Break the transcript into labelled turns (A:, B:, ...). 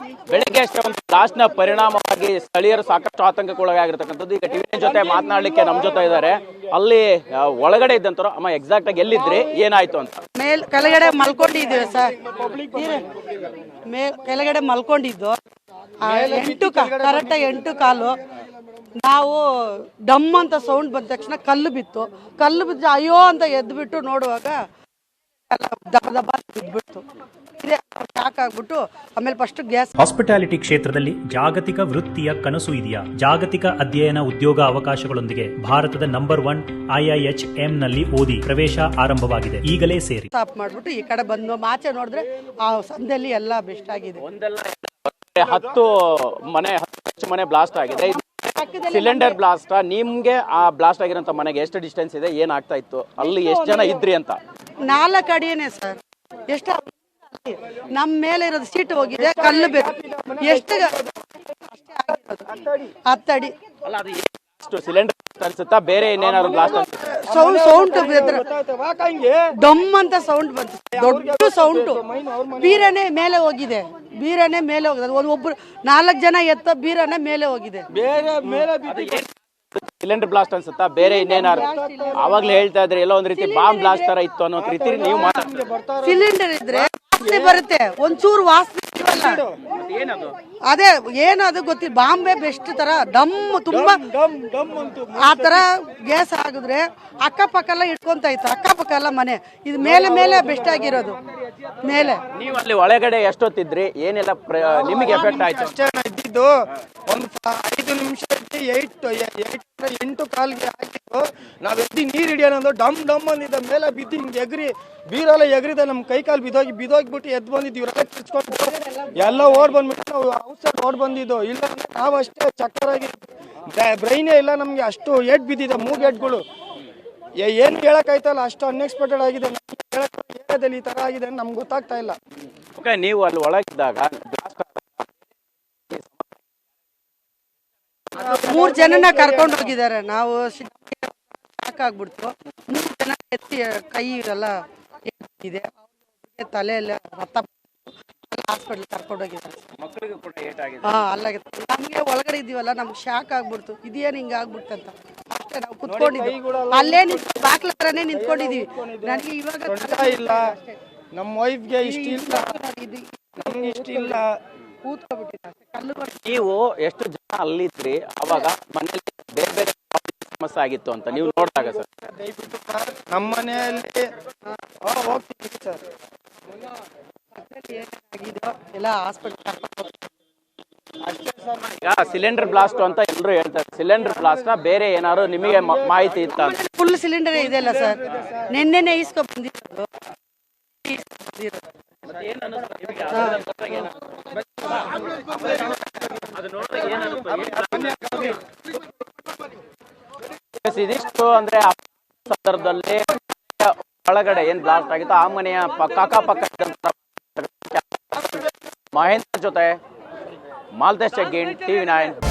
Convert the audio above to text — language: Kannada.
A: ಬೆಳಗ್ಗೆ ಅಷ್ಟೇ ಒಂದು ಬ್ಲಾಸ್ಟ್ ನ ಪರಿಣಾಮವಾಗಿ ಸ್ಥಳೀಯರು ಸಾಕಷ್ಟು ಆತಂಕಕ್ಕೊಳಗಾಗಿರ್ತಕ್ಕಂಥದ್ದು. ಈಗ ಟಿವಿ ಜೊತೆ ಮಾತನಾಡ್ಲಿಕ್ಕೆ ನಮ್ ಜೊತೆ ಇದ್ದಾರೆ. ಅಲ್ಲಿ ಒಳಗಡೆ ಇದ್ದಂತರು ಅಮ್ಮ ಎಕ್ಸಾಕ್ಟ್ ಆಗಿ ಎಲ್ಲಿದ್ರಿ, ಏನಾಯ್ತು ಅಂತ?
B: ಕೆಳಗಡೆ ಮಲ್ಕೊಂಡಿದ್ದೀವಿ ಸರ್, ಕೆಳಗಡೆ ಮಲ್ಕೊಂಡಿದ್ದು ಕರೆಕ್ಟಾಗಿ 8 ಕಾಲು ನಾವು ಡಮ್ ಅಂತ ಸೌಂಡ್ ಬಂದ ತಕ್ಷಣ ಕಲ್ಲು ಬಿತ್ತು ಅಯ್ಯೋ ಅಂತ ಎದ್ಬಿಟ್ಟು ನೋಡುವಾಗ ದಬ ದಬ ಬಿದ್ಬಿಡ್ತು. ಶಾಕ್ ಆಗ್ಬಿಟ್ಟು ಆಮೇಲೆ ಫಸ್ಟ್ ಗ್ಯಾಸ್.
C: ಹಾಸ್ಪಿಟಾಲಿಟಿ ಕ್ಷೇತ್ರದಲ್ಲಿ ಜಾಗತಿಕ ವೃತ್ತಿಯ ಕನಸು ಇದೆಯಾ? ಜಾಗತಿಕ ಅಧ್ಯಯನ ಉದ್ಯೋಗ ಅವಕಾಶಗಳೊಂದಿಗೆ ಭಾರತದ ನಂಬರ್ 1 IIHM ನಲ್ಲಿ ಓದಿ. ಪ್ರವೇಶ ಆರಂಭವಾಗಿದೆ, ಈಗಲೇ ಸೇರಿ.
B: ಸ್ಟಾಪ್ ಮಾಡ್ಬಿಟ್ಟು ಈ ಕಡೆ ಬಂದು ಆಚೆ ನೋಡಿದ್ರೆ ಆ ಸಂದಲ್ಲಿ ಎಲ್ಲ ಬೆಸ್ಟ್ ಆಗಿದೆ.
A: 10 ಮನೆ ಬ್ಲಾಸ್ಟ್ ಆಗಿದೆ. Cylinder blast. ನಿಮ್ಗೆ ಆ ಬ್ಲಾಸ್ಟ್ ಆಗಿರೋಂಥ ಮನೆಗೆ ಎಷ್ಟು ಡಿಸ್ಟೆನ್ಸ್ ಇದೆ, ಏನಾಗ್ತಾ ಇತ್ತು, ಅಲ್ಲಿ ಎಷ್ಟು ಜನ ಇದ್ರಿ ಅಂತ?
B: 4 ಅಡಿಯೇನೆ ಸರ್. ಎಷ್ಟು ನಮ್ಮ ಮೇಲೆ ಇರೋದು ಸೀಟ್ ಹೋಗಿದೆ, ಕಲ್ಲು ಬೇಕು. ಎಷ್ಟು 10 ಅಡಿ.
A: ಸಿಲಿಂಡರ್ ಅನ್ಸುತ್ತಾ, ಬೇರೆ ಇನ್ನೇನಾದ್ರು ಬ್ಲಾಸ್ಟ್?
B: ಸೌಂಡ್ ಡಮ್ ಅಂತ ಸೌಂಡ್ ಬಂತು, ದೊಡ್ಡ ಸೌಂಡ್. ಬೀರನೆ ಮೇಲೆ ಹೋಗಿದೆ, ಒಬ್ಬರು 4 ಜನ ಎತ್ತ ಬೀರನೆ ಮೇಲೆ ಹೋಗಿದೆ.
A: ಸಿಲಿಂಡರ್ ಬ್ಲಾಸ್ಟ್ ಅನ್ಸುತ್ತಾ, ಬೇರೆ ಇನ್ನೇನಾರು? ಅವಾಗ್ಲೇ ಹೇಳ್ತಾ ಇದ್ರಿ ಎಲ್ಲೋ ಒಂದ್ ರೀತಿ ಬಾಂಬ್ ಬ್ಲಾಸ್ಟ್ ತರ ಇತ್ತು ಅನ್ನೋ ರೀತಿ ನೀವು
B: ಸಿಲಿಂಡರ್ ಇದ್ರೆ ವಾಸನೆ ಬರುತ್ತೆ, ಒಂಚೂರು ವಾಸನೆ ಅದೇ ಏನು ಅದು ಗೊತ್ತಿಲ್ಲ. ಬಾಂಬೆ ಬೆಸ್ಟ್ ತರ ಡಮ್ ತುಂಬಾ ಆ ತರ ಗ್ಯಾಸ್ ಆಗಿದ್ರೆ ಅಕ್ಕಪಕ್ಕ ಎಲ್ಲ ಇಟ್ಕೊಂತ ಇತ್ತು, ಅಕ್ಕಪಕ್ಕ ಎಲ್ಲ ಮನೆ. ಇದು ಮೇಲೆ ಬೆಸ್ಟ್ ಆಗಿರೋದು ಮೇಲೆ.
A: ನೀವು ಅಲ್ಲಿ ಒಳಗಡೆ ಎಷ್ಟೊತ್ತಿದ್ರಿ, ಏನೆಲ್ಲ ನಿಮಗೆ ಎಫೆಕ್ಟ್ ಆಯ್ತು?
D: ಇದ್ದಿದ್ದು ಒಂದು 5 ನಿಮಿಷ 8 ಕಾಲ್ಗೆ ಹಾಕಿದ್ದು. ನಾವ್ ಎದ್ದಿ ನೀರ್ ಹಿಡಿಯೋಣ ಡಮ್ ಡಮ್ ಅಂದಿದ್ದ ಮೇಲೆ ಬಿದ್ದು ಹಿಂಗೆ ಬೀರೆಲ್ಲ ಎಗರಿದ ನಮ್ ಕೈ ಕಾಲು ಬಿದ್ದೋಗ್ಬಿಟ್ಟು ಎದ್ದು ಬಂದಿದ್ದು. ಇವರೆಲ್ಲ ಕಿರ್ಚ್ಕೊಂಡು ಎಲ್ಲ ಓಡ್ ಬಂದ್ಬಿಟ್ಟು ನಾವು ಔಟ್ಸೈಡ್ ಓಡ್ ಬಂದಿದ್ದು. ಇಲ್ಲ ನಾವು ಅಷ್ಟೇ ಚಕ್ಕರಾಗಿ ಬ್ರೈನೇ ಇಲ್ಲ ನಮ್ಗೆ, ಅಷ್ಟು ಏಟ್ ಬಿದ್ದಿದೆ, 3 ಏಟ್ಗಳು. ಏನ್ ಹೇಳಕ್ಕಾಯ್ತಲ್ಲ, ಅಷ್ಟು ಅನ್ಎಕ್ಸ್ಪೆಕ್ಟೆಡ್ ಆಗಿದೆ. ಏರಿಯಾದಲ್ಲಿ ಈ ತರ ಆಗಿದೆ ನಮ್ಗೆ ಗೊತ್ತಾಗ್ತಾ ಇಲ್ಲ.
A: ನೀವು ಅಲ್ಲಿ ಒಳಗಿದ್ದಾಗ
B: 3 ಜನನ ಕರ್ಕೊಂಡು ಹೋಗಿದ್ದಾರೆ. ನಾವು ಸಾಕಾಗ್ಬಿಡ್ತು. 3 ಜನ ಎತ್ತಿ ಕೈ ಎಲ್ಲ ಇದೆ, ತಲೆ ಎಲ್ಲ ರಕ್ತ, ಹಾಸ್ಪಿಟಲ್ ಕರ್ಕೊಂಡು ಹೋಗಿದ್ದಾರೆ. ನಮ್ಗೆ ಒಳಗಡೆ ಇದೀವಲ್ಲ, ನಮ್ಗೆ ಶಾಕ್ ಆಗ್ಬಿಡ್ತು, ಇದೇನು ಹಿಂಗ ಆಗ್ಬಿಡ್ತಂತ. ಅಷ್ಟೇ ನಾವು ಕುತ್ಕೊಂಡಿದ್ವಿ, ಅಲ್ಲೇ ಬಾಕ್ಲ ಹತ್ರನೇ ನಿಂತ್ಕೊಂಡಿದೀವಿ. ನನಗೆ ಇವಾಗ
D: ಇಲ್ಲ, ನಮ್ಮ ವೈಫ್ಗೆ ಇಷ್ಟ ಇಲ್ಲ, ನಮ್ಗೆ ಇಷ್ಟ ಇಲ್ಲ.
A: ನೀವು ಎಷ್ಟು ಜನ ಅಲ್ಲಿದ್ರಿ ಅವಾಗ? ಮನೆಯಲ್ಲಿ ಬೇರೆ ಬೇರೆ ಸಮಸ್ಯೆ ಆಗಿತ್ತು ಅಂತ ನೀವು ನೋಡಿದಾಗ ಸರ್?
D: ದಯವಿಟ್ಟು ಸರ್ ನಮ್ಮ ಮನೆಯಲ್ಲಿ ಹೋಗ್ತೀವಿ ಸರ್.
B: ಎಲ್ಲ ಹಾಸ್ಪಿಟಲ್.
A: ಈಗ ಸಿಲಿಂಡರ್ ಬ್ಲಾಸ್ಟ್ ಅಂತ ಎಲ್ಲರೂ ಹೇಳ್ತಾರೆ. ಸಿಲಿಂಡರ್ ಬ್ಲಾಸ್ಟ್ ಬೇರೆ ಏನಾದ್ರು ನಿಮಗೆ ಮಾಹಿತಿ ಇತ್ತ?
B: ಫುಲ್ ಸಿಲಿಂಡರ್ ಇದೆ ಅಲ್ಲ ಸರ್, ನಿನ್ನೆನೆ ಈಸ್ಕೊಂಡ್ ಬಂದಿರೋದು.
A: ಇದಿಷ್ಟು ಅಂದ್ರೆ ಸಂದರ್ಭದಲ್ಲಿ ಒಳಗಡೆ ಏನ್ ಬ್ಲಾಸ್ಟ್ ಆಗಿತ್ತು ಆ ಮನೆಯ ಅಕ್ಕಪಕ್ಕ ಮಹೇಂದ್ರ ಜೊತೆ ಮಾಲ್ತೇಶ್ ಜಗ್ಗೀನ್, TV9.